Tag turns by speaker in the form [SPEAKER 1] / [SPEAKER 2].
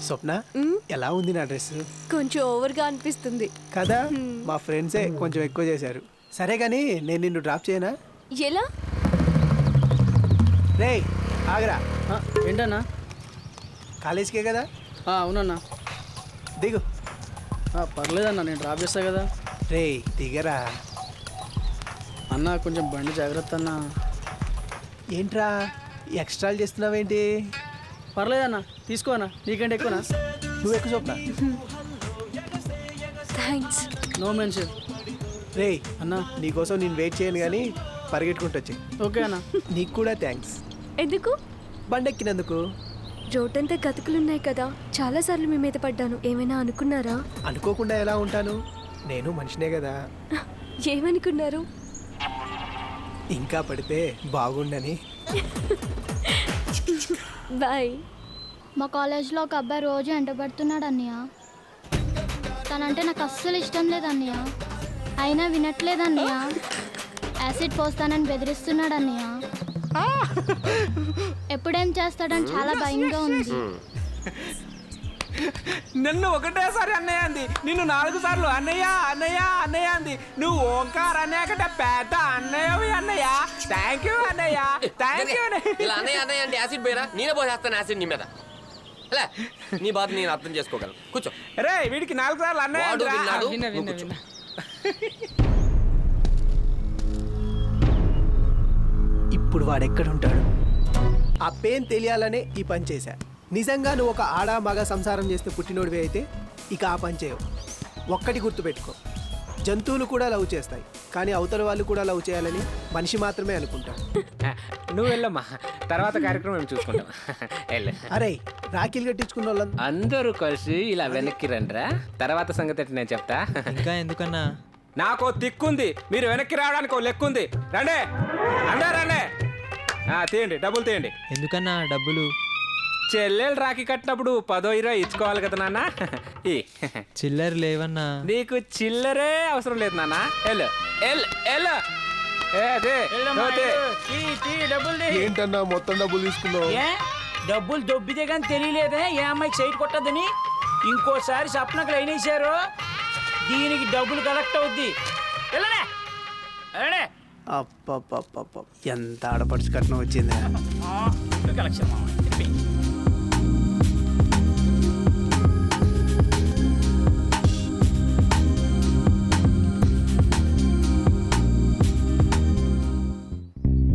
[SPEAKER 1] స్వప్న ఎలా ఉంది నా డ్రెస్?
[SPEAKER 2] కొంచెం ఓవర్గా అనిపిస్తుంది
[SPEAKER 1] కదా, మా ఫ్రెండ్సే కొంచెం ఎక్కువ చేశారు. సరే కానీ నేను నిన్ను డ్రాప్ చేయనా?
[SPEAKER 2] ఎలా?
[SPEAKER 1] రే ఆగరా,
[SPEAKER 3] ఏంటన్నా?
[SPEAKER 1] కాలేజీకే కదా,
[SPEAKER 3] అవునన్నా.
[SPEAKER 1] దిగు.
[SPEAKER 3] పర్లేదన్నా, నేను డ్రాప్ చేస్తా కదా.
[SPEAKER 1] రే దిగరా.
[SPEAKER 3] అన్న కొంచెం బండి జాగ్రత్త అన్న.
[SPEAKER 1] ఏంట్రా ఎక్స్ట్రాలు చేస్తున్నావేంటి?
[SPEAKER 3] పర్లేదన్నా, తీసుకోనా, నీకంటే ఎక్కువనా?
[SPEAKER 1] నువ్వు ఎక్కువ స్వప్న.
[SPEAKER 2] థ్యాంక్స్.
[SPEAKER 3] No mention.
[SPEAKER 1] రే
[SPEAKER 3] అన్నా
[SPEAKER 1] నీకోసం నేను వెయిట్ చేయను కానీ పరిగెట్టుకుంటూ వచ్చి.
[SPEAKER 3] ఓకే అన్న.
[SPEAKER 1] నీకు కూడా థ్యాంక్స్.
[SPEAKER 2] ఎందుకు?
[SPEAKER 1] బండెక్కినందుకు.
[SPEAKER 2] రోడ్డంతా గతుకులున్నాయి కదా, చాలాసార్లు మీ మీద పడ్డాను. ఏమైనా అనుకున్నారా?
[SPEAKER 1] అనుకోకుండా ఎలా ఉంటాను, నేను మనిషినే కదా.
[SPEAKER 2] ఏమనుకున్నారు?
[SPEAKER 1] ఇంకా పడితే బాగుండని.
[SPEAKER 2] బాయ్.
[SPEAKER 4] మా కాలేజ్లో ఒక అబ్బాయి రోజు ఎంటబడుతున్నాడు అన్నయ్య. తనంటే నాకు అస్సలు ఇష్టం లేదు అన్నయ్య. అయినా వినట్లేదు అన్నయ్య. యాసిడ్ పోస్తానని బెదిరిస్తున్నాడు అన్నయ్య. ఎప్పుడేం చేస్తాడని చాలా భయంగా ఉంది.
[SPEAKER 5] నిన్ను ఒకటేసారి అన్నయ్య అంది, నిన్ను 4 సార్లు అన్నయ్య అన్నయ్య అన్నయ్య అంది. నువ్వు ఓంకార్ అన్నయ్య పెద్ద అన్నయ్యవి అన్నయ్య. థ్యాంక్ యూ అన్నయ్య, థ్యాంక్ యూ.
[SPEAKER 6] ఇలా అన్నయ్య అన్నయ్య అంటే యాసిడ్ పోయిరా, నేనే పోసేస్తాను యాసిడ్ నీ మీద. అలా నీ బాధ నేను అర్థం చేసుకోగలను. కూర్చో.
[SPEAKER 5] రే వీడికి 4 సార్లు అన్నయ్య
[SPEAKER 6] వాడు
[SPEAKER 5] అందిరా.
[SPEAKER 6] విన్నాడు,
[SPEAKER 3] విన్నా,
[SPEAKER 6] నువ్వు
[SPEAKER 3] విన్నా,
[SPEAKER 6] కూర్చో.
[SPEAKER 1] ఇప్పుడు వాడెక్కడుంటాడు? ఆ పెయిన్ తెలియాలనే ఈ పని చేశా. నిజంగా నువ్వు ఒక ఆడ మగ సంసారం చేస్తే పుట్టినోడివి అయితే ఇక ఆ పని చేయవు. ఒక్కటి గుర్తుపెట్టుకో, జంతువులు కూడా లవ్ చేస్తాయి, కానీ అవతల వాళ్ళు కూడా లవ్ చేయాలని మనిషి మాత్రమే అనుకుంటారు.
[SPEAKER 5] నువ్వు వెళ్ళమ్మా, తర్వాత కార్యక్రమం మేము చూసుకుంటాం.
[SPEAKER 1] అరే రాఖీలు కట్టించుకున్న వాళ్ళంతా
[SPEAKER 5] అందరూ కలిసి ఇలా వెనక్కి రండిరా, తర్వాత సంగతి నేను చెప్తా.
[SPEAKER 7] ఇంకా ఎందుకన్నా?
[SPEAKER 5] నాకు తిక్కుంది, మీరు వెనక్కి రావడానికి ఓ లెక్కుంది. రండి అందరూ రండి. తీయండి, డబ్బులు తీయండి.
[SPEAKER 7] ఎందుకన్నా డబ్బులు?
[SPEAKER 5] చెల్లెలు రాఖీ కట్టినప్పుడు 10-20 ఇచ్చుకోవాలి కదా నాన్న.
[SPEAKER 7] చిల్లర లేవన్నా.
[SPEAKER 5] నీకు చిల్లరే అవసరం లేదు నాన్న. ఎల్లు ఎల్లు ఎల్లు.
[SPEAKER 1] ఏంటన్నా మొత్తం డబ్బులు తీసుకున్నావు?
[SPEAKER 8] డబ్బులు దొబ్బితే కానీ తెలియలేదే ఏ అమ్మాయికి సైట్ కొట్టద్దని. ఇంకోసారి సప్నకు లైన్ వేసారు, దీనికి డబ్బులు కలెక్ట్ అవుద్ది. వెళ్ళనే వెళ్ళనే.
[SPEAKER 1] అప్ప ఎంత ఆడపడుచు కట్నం వచ్చింది.
[SPEAKER 8] కలెక్షన్